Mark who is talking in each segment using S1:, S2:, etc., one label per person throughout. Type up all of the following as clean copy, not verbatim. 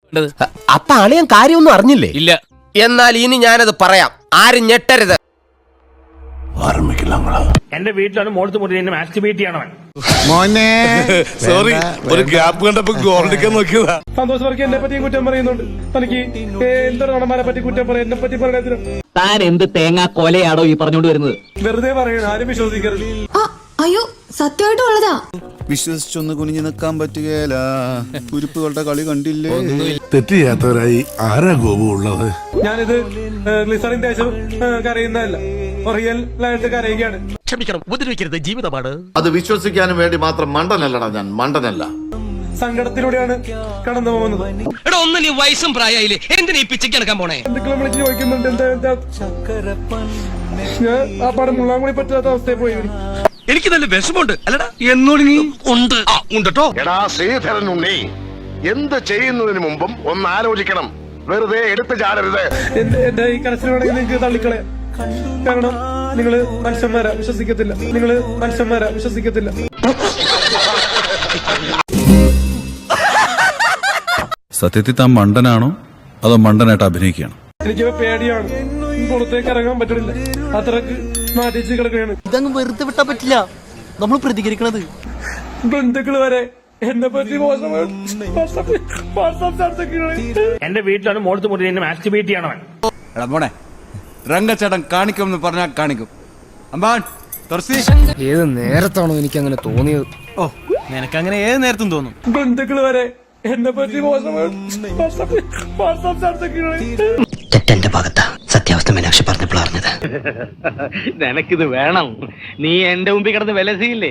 S1: അപ്പൊ അളിയൻ കാര്യമൊന്നും അറിഞ്ഞില്ലേ?
S2: ഇല്ല.
S1: എന്നാൽ ഇനി ഞാനത് പറയാം, ആരും ഞെട്ടരുത്.
S3: എന്റെ വീട്ടിലാണ് മോളത്ത് മുറി എന്നെ മാസ്റ്റിബേറ്റ് ചെയ്യണവൻ.
S4: മോനെ സോറി, ഒരു ഗ്യാപ്പ് കണ്ടപ്പോ ഗോൾഡിക്കാൻ നോക്കിയതാ.
S5: സന്തോഷ് വർക്കി എന്നെ പറ്റിയും കുറ്റം പറയുന്നുണ്ട്. തനിക്ക് എന്തൊരു നടന്മാരെ പറ്റി കുറ്റം പറയാം, എന്നെ പറ്റി പറയണതിന്
S6: താൻ എന്ത് തേങ്ങാ കൊലയാടോ ഈ പറഞ്ഞോണ്ട് വരുന്നത്?
S5: വെറുതെ പറയണം, ആരും വിശ്വസിക്കരുത്.
S7: അയ്യോ, സത്യമായിട്ടും ഉള്ളതാ.
S4: വിശ്വസിച്ചൊന്ന് കുനിഞ്ഞു നിൽക്കാൻ പറ്റുകയില്ല. കുരിപ്പുകളുടെ കളി കണ്ടില്ലേ?
S8: തെറ്റ് ചെയ്യാത്തവരായി ആരാ ഗോപു ഉള്ളത്?
S5: ഞാനിത് ഗ്ലിസറിൻ തേച്ച് കരയുന്നതല്ല, റിയൽ ആയിട്ട് കരയുകയാണ്.
S2: ക്ഷമിക്കണം, ഉപദ്രവിക്കരുത്, ജീവിതമാണ്.
S9: അത് വിശ്വസിക്കാനും വേണ്ടി മാത്രം മണ്ടനല്ലടാ ഞാൻ, മണ്ടനല്ല.
S5: സങ്കടത്തിലൂടെയാണ് കടന്നു പോകുന്നത്.
S2: എടാ, ഒന്ന് നീ വയസ്സും പ്രായമായില്ലേ, എന്തിനാ ഈ പിച്ചയ്ക്ക് നടക്കാൻ പോണേ?
S5: എന്തെങ്കിലും വിളിച്ച് ചോദിക്കുന്നുണ്ട്, എന്താ ഞാൻ ആ പടം മുള്ളാങ്കുളി പറ്റാത്ത അവസ്ഥയിൽ പോയി.
S2: എനിക്ക് നല്ല വിഷമമുണ്ട്. അല്ലടാ, എന്നോട് നീ ഉണ്ട് ഉണ്ടോ?
S9: എടാ ശ്രീധരൻ ഉണ്ണി, എന്ത് ചെയ്യുന്നതിന് മുമ്പും ഒന്ന് ആലോചിക്കണം. വെറുതെ എടുത്തു ചാടരുത്.
S5: എന്റെ ഈ കരച്ചിൽ വേണമെങ്കിൽ നിങ്ങൾക്ക് തള്ളിക്കളയാം. കാരണം നിങ്ങള് മനുഷ്യന്മാരാ, വിശ്വസിക്കത്തില്ല.
S8: സത്യത്തിൽ താൻ മണ്ടനാണോ അതോ മണ്ടനായിട്ട് അഭിനയിക്കുകയാണ്?
S5: എനിക്ക് പേടിയാണ്, പുറത്തേക്ക് ഇറങ്ങാൻ പറ്റണില്ല, അത്രക്ക് മാറ്റിച്ച് കിടക്കുകയാണ്.
S6: ഇതങ്ങ് വെറുതെ വിട്ടാ പറ്റില്ല, നമ്മൾ പ്രതികരിക്കണത്.
S5: ബന്ധുക്കള് വരെ എന്നെ പറ്റി
S3: എന്റെ വീട്ടിലാണ് മോളത്ത് മുറി എന്നെ മാസ്റ്റിബേറ്റ് ചെയ്യണവൻ.
S4: മോനെ രംഗച്ചേട്ടൻ കാണിക്കുമെന്ന് പറഞ്ഞാൽ കാണിക്കും. അമ്പാൻ
S1: ഏത് നേരത്താണോ എനിക്ക് അങ്ങനെ തോന്നിയത്?
S4: ഓ, നിനക്കങ്ങനെ ഏത് നേരത്തും തോന്നും.
S5: ബന്ധുക്കള് വരെ എന്നെ പറ്റി
S6: തെറ്റെന്റെ ഭാഗത്താ. സത്യാവസ്ഥ മീനാക്ഷി പറഞ്ഞപ്പോൾ അറിഞ്ഞത്.
S3: നിനക്കിത് വേണം, നീ എന്റെ മുമ്പിൽ കിടന്ന് വിലസിയില്ലേ?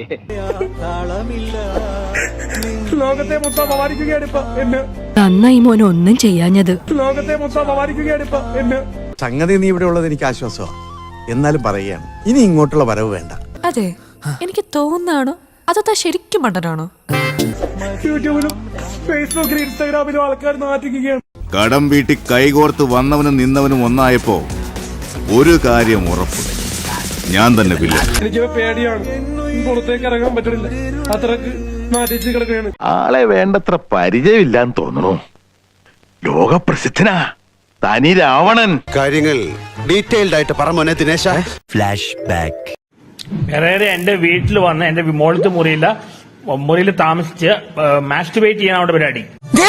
S5: ലോകത്തെ മൊത്തം അപമാനിക്കുകയാണ് ഇപ്പൊ എന്നെ.
S7: നന്നായി മോനെ ഒന്നും ചെയ്യാഞ്ഞത്.
S5: ലോകത്തെ മൊത്തം അപമാനിക്കുകയാണ് ഇപ്പൊ എന്നെ.
S4: സംഗതി നീ ഇവിടെ ഉള്ളത് എനിക്ക് ആശ്വാസമാണ്. എന്നാലും പറയുകയാണ്, ഇനി ഇങ്ങോട്ടുള്ള വരവ് വേണ്ട.
S7: അതെ, എനിക്ക് തോന്നാണോ അതോ ശരിക്കും മണ്ടനാണോ?
S5: യൂട്യൂബിലും ഫേസ്ബുക്കിലും ഇൻസ്റ്റാഗ്രാമിലും ആൾക്കാർ നാറ്റിക്കുകയാണ്.
S9: കടം വീട്ടി കൈകോർത്ത് വന്നവനും നിന്നവനും ഒന്നായപ്പോ ഒരു കാര്യം ഉറപ്പ്, ഞാൻ തന്നെ വില്ല.
S5: എനിക്ക് പേടിയാണ്, പുറത്തേക്ക് ഇറങ്ങാൻ പറ്റണില്ല, അത്രക്ക് മാറ്റിച്ച് കിടക്കുകയാണ്.
S9: ആളെ വേണ്ടത്ര പരിചയമില്ലാന്ന് തോന്നണു. ലോകപ്രസിദ്ധനാ തനി രാവണൻ.
S4: കാര്യങ്ങൾ ഡീറ്റെയിൽഡ് ആയിട്ട് പറ മോനെ ദിനേശ.
S6: Flash back.
S3: വേറെ എന്റെ വീട്ടിൽ വന്ന് എന്റെ മോളത്ത് മുറിയിൽ താമസിച്ച് മാസ്റ്റിബേറ്റ് ചെയ്യാൻ അവിടെ പരിപാടി.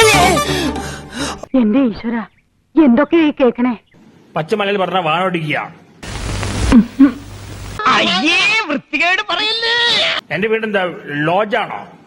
S7: എന്റെ ഈശ്വര, എന്തൊക്കെയായി കേക്കണേ?
S3: പച്ചമലയിൽ പറഞ്ഞ വാണോടിക്കുക. എന്റെ വീടെന്താ ലോഡ്ജാണോ?